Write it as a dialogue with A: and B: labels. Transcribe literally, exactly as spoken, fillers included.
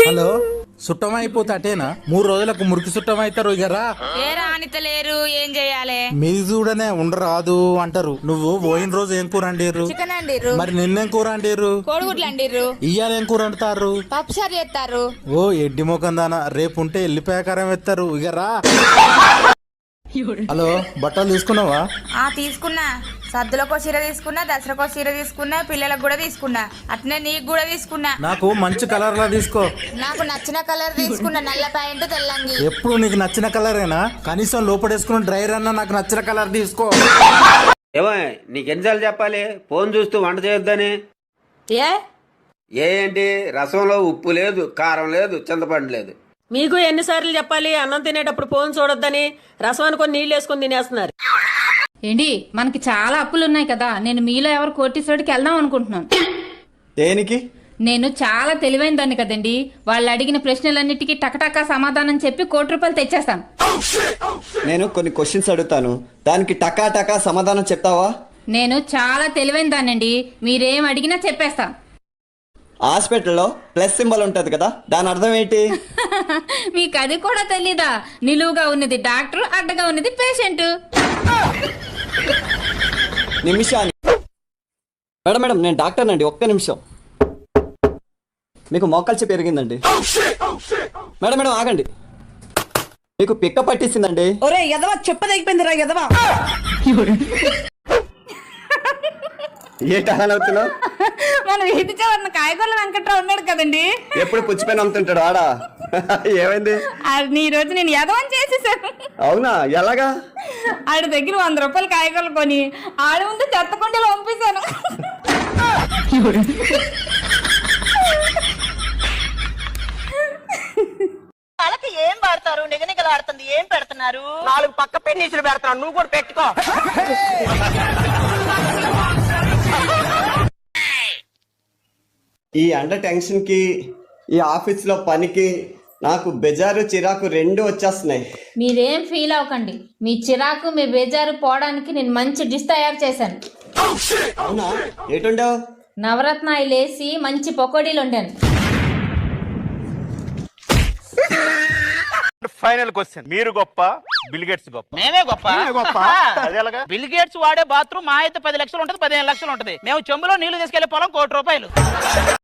A: Hello సుట్టం అయిపోతే అటేనా మూడు రోజులకు మురికి సుట్టం అవుతారు ఇక రా.
B: ఏ రానితలేరు ఏం చెయ్యాలి?
A: మీది చూడనే ఉండరాదు అంటారు. నువ్వు పోయిన రోజు ఏం కూర అండిర్రు?
B: చికెన్ అండిర్రు.
A: మరి నిన్నేం కూర అండిర్రు?
B: కోడిగుడ్లు అండిర్రు.
A: ఇయ్యాల ఏం కూర అంటారు?
B: పప్పుసారి చేస్తారు.
A: ఓ ఎడ్డి ముఖం దానా, రేపు ఉంటే ఎల్లిపాయకారం ఎత్తారు ఇక రా. హలో బట్టలు తీసుకున్నావా?
B: ఆ తీసుకున్నా. సద్దులకో చీర తీసుకున్నా, దసరాకో చీర తీసుకున్నా, పిల్లలకు కూడా తీసుకున్నా, అట్నే నీకు కూడా తీసుకున్నా.
A: నాకు మంచి కలర్ లా తీసుకో.
B: నాకు నచ్చిన కలర్ తీసుకున్నా, నల్ల ప్యాంటు తెల్లంగి.
A: ఎప్పుడు నీకు నచ్చిన కలరేనా? కనీసం లోపడేసుకున్న డ్రైవర్ అన్నా నాకు నచ్చిన కలర్ తీసుకో.
C: ఏమో నీకు ఎన్నిసార్లు చెప్పాలి ఫోన్ చూస్తూ వంట చేయొద్దని?
D: ఏ
C: ఏ ఏంటి, రసంలో ఉప్పు లేదు, కారం లేదు, చింతపండు లేదు.
D: మీకు ఎన్నిసార్లు చెప్పాలి అన్నం తినేటప్పుడు ఫోన్ చూడొద్దని? రసం అనుకొని నీళ్ళు వేసుకొని తినేస్తున్నారు.
E: ఏంటి మనకి చాలా అప్పులు ఉన్నాయి కదా, నేను మీలో ఎవరు కోటీశ్వరుడికి వెళ్దాం అనుకుంటున్నాను.
F: దేనికి?
E: నేను చాలా తెలివైన దాన్ని కదండి. వాళ్ళు అడిగిన ప్రశ్నలన్నిటికీ టకటకా సమాధానం చెప్పి కోటి రూపాయలు తెచ్చేస్తాను.
F: నేను కొన్ని క్వశ్చన్స్ అడుగుతాను, దానికి టకా టకా సమాధానం చెప్తావా?
E: నేను చాలా తెలివైన దాన్నండి, మీరేం అడిగినా చెప్పేస్తా.
F: హాస్పిటల్లో ప్లస్ సింబల్ ఉంటది కదా, దాని అర్థం ఏంటి?
E: మీకు అది కూడా తెలీదా? నిలువుగా ఉన్నది డాక్టర్, అడ్డగా ఉన్నది పేషెంట్.
F: నిమిషాన్ని మేడం మేడం నేను డాక్టర్ అండి, ఒక్క నిమిషం. మీకు మోకాల్చి పెరిగిందండి. మేడం మేడం ఆగండి, మీకు పిక్క పట్టేసిందండి.
D: ఒరే ఎదవా, చెప్పదగిపోయింది రా ఎదవా.
F: ఏంటి అలా అవుతున్నావు?
B: మన వీధి చివరన కాయగూరల వెంకట్రావు ఉన్నాడు కదండి,
F: ఎప్పుడు పుచ్చిపోయిన అమ్ముతుంటాడు ఆడా. ఏమైంది?
B: అది ఈ రోజు నేను యదవని చేసేసాను.
F: అవునా, ఎలాగా?
B: ఆడి దగ్గర వంద రూపాయలు కాయగూరలు కొని ఆడి ముందు చెత్త కుండీలో పంపిస్తాను.
G: వాళ్ళకి ఏం వాడతారు? నిగనిగలాడుతుంది, ఏం పెడుతున్నారు?
D: నాలుగు పక్క పెన్నీసులు పెడతాను, నువ్వు కూడా పెట్టుకో.
F: ఈ అండర్ టెన్షన్ కి, ఈ ఆఫీస్ లో పనికి నాకు బెజారు చిరాకు రెండు వచ్చేస్తున్నాయి.
E: మీరేం ఫీల్ అవ్వకండి, మీ చిరాకు మీ బేజారు పోవడానికి నేను మంచి డిష్ తయారు చేశాను.
F: అవునా, ఏటుండవు?
E: నవరత్న ఆయిల్ వేసి మంచి పకోడీలు వండాను.
H: ఫైనల్ క్వశ్చన్, మీరు గొప్ప బిల్ గేట్స్ గొప్ప?
G: మేమే గొప్ప.
H: గొప్ప అది ఎలాగా?
G: బిల్ గేట్స్ వాడే బాత్రూమ్ మా అయితే పది లక్షలు ఉంటది, పదిహేను లక్షలు ఉంటది. మేము చెంబులో నీళ్లు తీసుకెళ్లే పొలం కోటి రూపాయలు.